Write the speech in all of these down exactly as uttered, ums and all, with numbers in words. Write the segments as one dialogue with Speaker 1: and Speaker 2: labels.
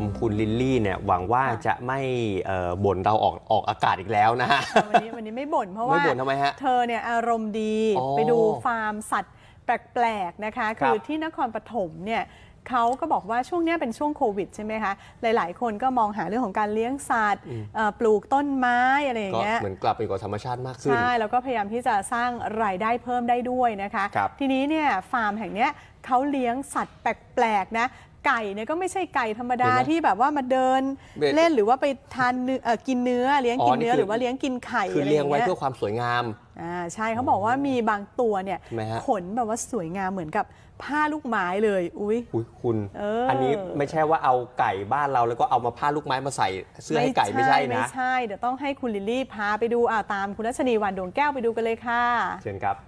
Speaker 1: มคุณลิลลี่เนี่ยหวังว่าจะไม่บ่นเราออกออกอากาศอีกแล้วนะฮะ
Speaker 2: วันนี้วันนี้ไม่บ่นเพราะว่า
Speaker 1: ไม่บ่นทำไมฮะ
Speaker 2: เธอเนี่ยอารมณ์ดีไปดูฟาร์มสัตว์แปลกๆนะคะคือที่นครปฐมเนี่ยเขาก็บอกว่าช่วงนี้เป็นช่วงโควิดใช่ไหมคะหลายๆคนก็มองหาเรื่องของการเลี้ยงสัตว์ปลูกต้นไม้อะไรอย่างเงี้ย
Speaker 1: เหมือนกลับไปกับธรรมชาติมากขึ้น
Speaker 2: ใช่แล้วก็พยายามที่จะสร้างรายได้เพิ่มได้ด้วยนะคะทีนี้เนี่ยฟาร์มแห่งนี้เขาเลี้ยงสัตว์แปลกๆนะไก่เนี่ยก็ไม่ใช่ไก่ธรรมดาที่แบบว่ามาเดินเล่นหรือว่าไปทานเนื้อกินเนื้อเลี้ยงกินเนื้อหรือว่าเลี้ยงกินไข่
Speaker 1: คือเลี้ยงไว้เพื่อความสวยงาม
Speaker 2: อ่าใช่เขาบอกว่ามีบางตัวเนี่ยขนแบบว่าสวยงามเหมือนกับผ้าลูกไม้เลยอุ้ย
Speaker 1: คุณอันนี้ไม่ใช่ว่าเอาไก่บ้านเราแล้วก็เอามาผ้าลูกไม้มาใส่เสื้อให้ไก่ไม่ใช่นะ
Speaker 2: ไม่ใช่เดี๋ยวต้องให้คุณลิลลี่พาไปดูอ่าตามคุณรัชนีวรรณดวงแก้วไปดูกันเลยค่ะ
Speaker 1: เชิญครับ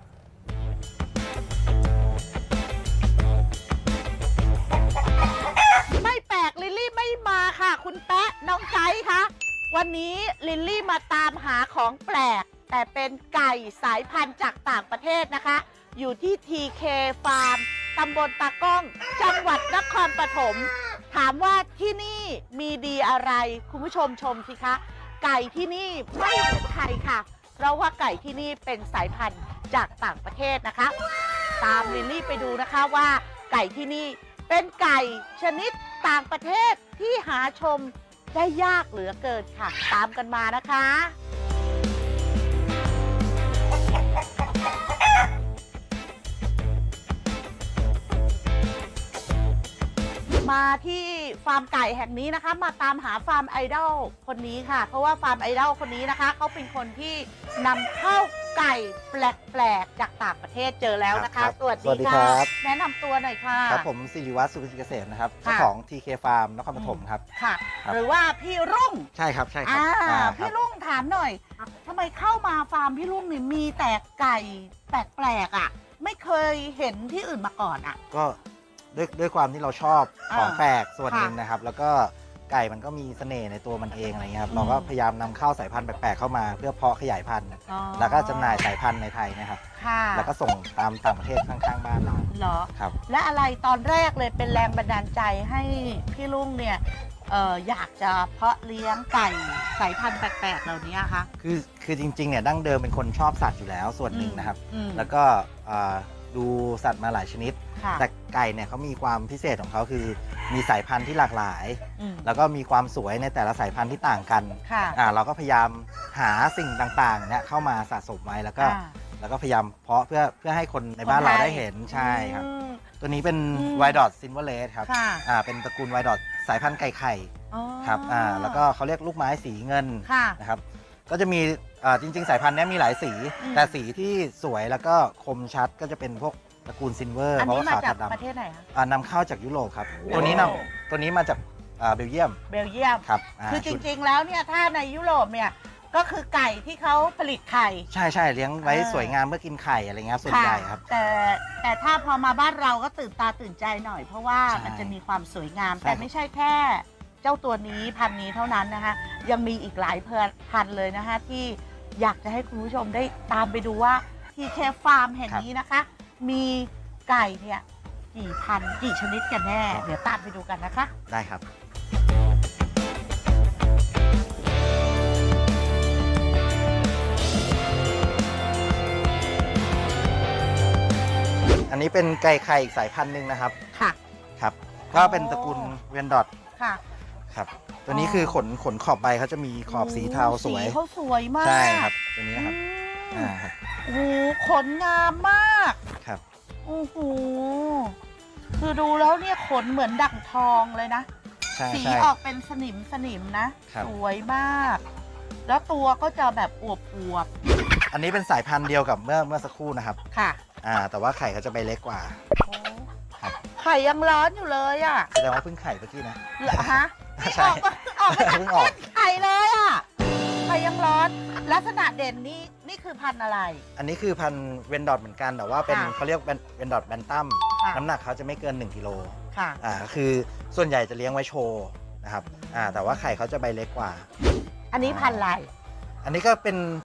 Speaker 3: ไม่แปลกลิลลี่ไม่มาค่ะคุณแป๊ะน้องไก่คะวันนี้ลิลลี่มาตามหาของแปลกแต่เป็นไก่สายพันธุ์จากต่างประเทศนะคะอยู่ที่ ที เค Farm ตำบลตากล้องจังหวัดนครปฐมถามว่าที่นี่มีดีอะไรคุณผู้ชมชมสิคะไก่ที่นี่ไม่เหมือนใครค่ะเพราะว่าไก่ที่นี่เป็นสายพันธุ์จากต่างประเทศนะคะตามลิลลี่ไปดูนะคะว่าไก่ที่นี่เป็นไก่ชนิดต่างประเทศที่หาชมได้ยากเหลือเกินค่ะตามกันมานะคะมาที่ฟาร์มไก่แห่งนี้นะคะมาตามหาฟาร์มไอดอลคนนี้ค่ะเพราะว่าฟาร์มไอดอลคนนี้นะคะเขาเป็นคนที่นำเข้าไก่แปลกๆจากต่างประเทศเจอแล้วนะคะสวัสดีค่ะแนะนำตัวหน่อยค่ะ
Speaker 4: ครับผมศิริวัฒน์สุขศิเกษมนะครับเจ้าของ ที เค Farm นครปฐมครับ
Speaker 3: ค่ะหรือว่าพี่รุ่ง
Speaker 4: ใช่ครับใช่ครับ
Speaker 3: พี่รุ่งถามหน่อยทำไมเข้ามาฟาร์มพี่รุ่งนี่มีแต่ไก่แปลกๆอ่ะไม่เคยเห็นที่อื่นมาก่อนอ่ะ
Speaker 4: ก็ด้วยด้วยความที่เราชอบของแปลกส่วนหนึ่งนะครับแล้วก็ไก่มันก็มีเสน่ห์ในตัวมันเองอะไรเงี้ยครับเราก็พยายามนำเข้าสายพันธุ์แปลกๆเข้ามาเพื่อเพาะขยายพันธุ์แล้วก็จำหน่ายสายพันธุ์ในไทยนะครับแล้วก็ส่งตามต่างประเทศข้างๆบ้านเรา
Speaker 3: เหรอ
Speaker 4: ครับ
Speaker 3: และอะไรตอนแรกเลยเป็นแรงบันดาลใจให้พี่ลุงเนี่ยเอออยากจะเพาะเลี้ยงไก่สายพันธุ์แปลกๆเหล่านี้คะ
Speaker 4: คือคือจริงๆเนี่ยดั้งเดิมเป็นคนชอบสัตว์อยู่แล้วส่วนหนึ่งนะครับแล้วก็ดูสัตว์มาหลายชนิดแต่ไก่เนี่ยเขามีความพิเศษของเขาคือมีสายพันธุ์ที่หลากหลายแล้วก็มีความสวยในแต่ละสายพันธุ์ที่ต่างกันอ่าเราก็พยายามหาสิ่งต่างๆเนี่ยเข้ามาสะสมไว้แล้วก็แล้วก็พยายามเพาะเพื่อเพื่อให้คนในบ้านเราได้เห็นใช่ครับตัวนี้เป็นไวดอทซินเวอร์เลสครับอ่าเป็นตระกูลไวดอทสายพันธุ์ไก่ไข่ครับอ่าแล้วก็เขาเรียกลูกไม้สีเงินนะครับก็จะมีจริงๆสายพันธุ์นี้มีหลายสีแต่สีที่สวยแล้วก็คมชัดก็จะเป็นพวกตระกูลซินเวอร์
Speaker 3: เพราะว่าขาวดำประเทศไหนคะ
Speaker 4: นำเข้าจากยุโรปครับตัวนี้นำตัวนี้มาจากเบลเยียม
Speaker 3: เบลเยียม
Speaker 4: ครับ
Speaker 3: คือจริงๆแล้วเนี่ยถ้าในยุโรปเนี่ยก็คือไก่ที่เขาผลิตไข่
Speaker 4: ใช่ใช่เลี้ยงไว้สวยงามเพื่อกินไข่อะไรเงี้ยส่วนใหญ่ครับ
Speaker 3: แต่แต่ถ้าพอมาบ้านเราก็ตื่นตาตื่นใจหน่อยเพราะว่ามันจะมีความสวยงามแต่ไม่ใช่แค่เจ้าตัวนี้พันนี้เท่านั้นนะคะยังมีอีกหลายพันเลยนะคะที่อยากจะให้คุณผู้ชมได้ตามไปดูว่า ที เค Farm แห่งนี้นะคะมีไก่เนี่ยกี่พันกี่ชนิดกันแน่เดี๋ยวตามไปดูกันนะคะ
Speaker 4: ได้ครับอันนี้เป็นไก่ไข่อีกสายพันธุ์หนึ่งนะครับ
Speaker 3: ค่ะ
Speaker 4: ครับก็เป็นตระกูลเวนดอท
Speaker 3: ค่ะ
Speaker 4: ครับตัวนี้คือขนขนขอบใบเขาจะมีขอบสีเทาสวย
Speaker 3: สีเขาสวยมาก
Speaker 4: ใช่ครับตัวนี้นะครับอ่าครับ
Speaker 3: โอ้ขนงามมาก
Speaker 4: ครับ
Speaker 3: โอ้โหคือดูแล้วเนี่ยขนเหมือนดั่งทองเลยนะสีออกเป็นสนิมสนิมนะสวยมากแล้วตัวก็จะแบบอวบอวบ
Speaker 4: อันนี้เป็นสายพันธุ์เดียวกับเมื่อเมื่อสักครู่นะครับ
Speaker 3: ค่ะ
Speaker 4: อ่าแต่ว่าไข่เขาจะใบเล็กกว่า
Speaker 3: ไข่ยังร้อนอยู่เลยอ่ะ
Speaker 4: แสดงว่าเพิ่งไข่เมื่อกี้นะ
Speaker 3: เหรอฮะใช่ออกมาจากไข่เลยอ่ะไข่ยังร้อนลักษณะเด่นนี่นี่คือพันธุ์อะไร
Speaker 4: อันนี้คือพันธุ์เวนดอทเหมือนกันแต่ว่าเป็นเขาเรียกเวนดอทแบนตัมน้ำหนักเขาจะไม่เกินหนึ่งกิโล
Speaker 3: ค่ะ
Speaker 4: อ่าคือส่วนใหญ่จะเลี้ยงไว้โชว์นะครับอ่าแต่ว่าไข่เขาจะใบเล็กกว่า
Speaker 3: อันนี้พันธุ์อะไร
Speaker 4: อันนี้ก็เป็น